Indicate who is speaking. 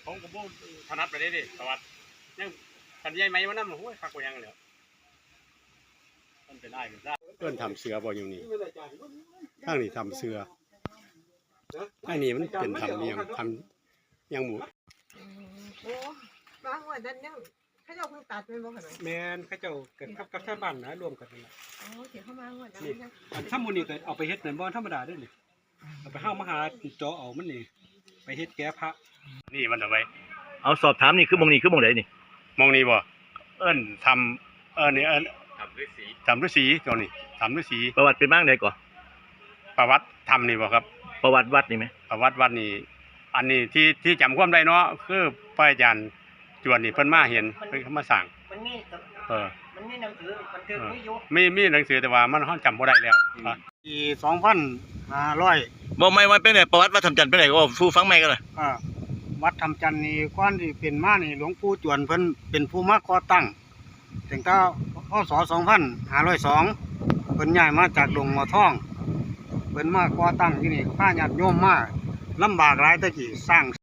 Speaker 1: ผมก็บ่ถนัดไปได้ดิประวัติยังกันใหญ่ไหมวะนั่นโอ้ยคักกว่ายังเลยมันเป็นได้กันได้เพื่อนทำเสือบ่อยู่นี่ข้างนี้ทำเสือข้างนี้มันเป็นทำเลี้ยงทำยังหมู
Speaker 2: โอ้บางวันนั้นยังเขาเจ้าเพิ่งตัดเป็นบ่ขนาด
Speaker 3: แม่นเขาเจ้าเกิดกับชาวบ้านนะรวมกันนั่นแหละ
Speaker 2: อ๋อเสียเข้ามาวันนั้น
Speaker 3: นี่อันถ้ามูนี่ก็เอาไปเฮ็ดเหมือนบ่ธรรมดาเด้อนี่เอาไปห้ามาหาเจาะเอามันนี่ไปเฮ็ดแก้พระ
Speaker 1: นี่มันเอาไว้
Speaker 4: เอาสอบถามนี่คือมองไหนนี่
Speaker 1: มองนี่บ่เอิ้นทำนี่เอิ้นทำฤาษีตัวนี้ทำฤาษี
Speaker 4: ประวัติเป็นบ้างไหนก่อน
Speaker 1: ประวัติทำนี่บ่ครับ
Speaker 4: ประวัติวัดนี่ไหม
Speaker 1: ประวัติวัดนี่อันนี้ที่จำความได้เนาะคือพระอาจารย์จวนนี่เพิ่นมาเห็นเพิ่นมาสั่ง
Speaker 2: มันมี
Speaker 1: มัน
Speaker 2: มีหนังสือบันทึกไม่อยู่
Speaker 1: มีหนังสือแต่ว่ามันจำบ่ได้แล้ว
Speaker 3: ปี2500
Speaker 4: บอกไม่ว่าเป็นไหนประวัติวัดทำจันทร์เป็นไหนก็ฟูฟังไม่กันเลย
Speaker 3: วัดทำจันทร์นี่ก่อนที่เป็นมานี่หลวงปู่จวนเพิ่นเป็นผู้มาก่อตั้งตั้งแต่พศ2502เพิ่นย้ายมาจากดงหมอทองเพิ่นมาก่อตั้งที่นี่พาญาติโยมมาลำบากหลายตะกี้สร้าง